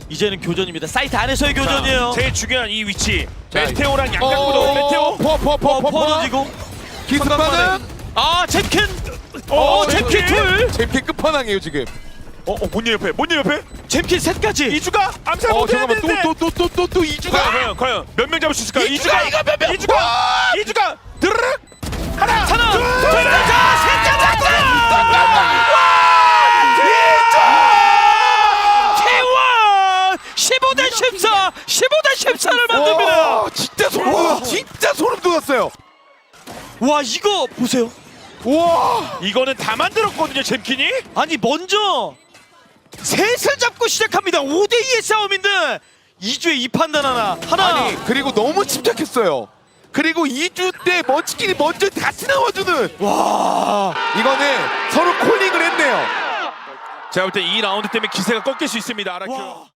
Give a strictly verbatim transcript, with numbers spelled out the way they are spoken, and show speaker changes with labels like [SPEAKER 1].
[SPEAKER 1] 이제는 교전입니다. 사이트 안에서의 교전이에요.
[SPEAKER 2] 제일 중요한 이 위치.
[SPEAKER 3] 자,
[SPEAKER 2] 메테오랑
[SPEAKER 3] 어,
[SPEAKER 2] 양각구도 메테오.
[SPEAKER 3] 퍼퍼퍼퍼
[SPEAKER 1] 퍼 던지고
[SPEAKER 3] 기습하는
[SPEAKER 1] 아 챔킨.
[SPEAKER 2] 어,
[SPEAKER 1] 어 챔킨 둘.
[SPEAKER 3] 챔피 끝판왕이에요 지금.
[SPEAKER 2] 어, 어, 뭔일 옆에? 뭔일 옆에?
[SPEAKER 1] 챔킨 셋까지.
[SPEAKER 2] 이주가 암살
[SPEAKER 3] 어
[SPEAKER 2] 못해야
[SPEAKER 3] 잠깐만
[SPEAKER 2] 되는데.
[SPEAKER 3] 또 또 또 또 또 이주가.
[SPEAKER 2] 과연 과연 몇 명 잡을 수 있을까?
[SPEAKER 3] 이주가 이거 몇 명?
[SPEAKER 2] 이주가
[SPEAKER 3] 와!
[SPEAKER 2] 이주가 드르륵 하나
[SPEAKER 1] 하나
[SPEAKER 2] 둘
[SPEAKER 1] 둘 셋. 케이원 십오 대 십사 십오 대 십사를 만듭니다.
[SPEAKER 3] 와, 진짜 소름 돋았. 진짜 소름 돋았어요.
[SPEAKER 1] 와 이거 보세요.
[SPEAKER 3] 와.
[SPEAKER 2] 이거는 다 만들었거든요, 잼킨이.
[SPEAKER 1] 아니 먼저 셋을 잡고 시작합니다. 오 대 이의 싸움인데 이 주에 이 판단 하나 하나.
[SPEAKER 3] 아니 그리고 너무 침착했어요. 그리고 이 주 때 먼치킨이 먼저 다시 나와주는. 와. 이거는 서로 콜링을 했네요.
[SPEAKER 2] 제가 볼 때 이 라운드 때문에 기세가 꺾일 수 있습니다, 아라큐.
[SPEAKER 1] 와.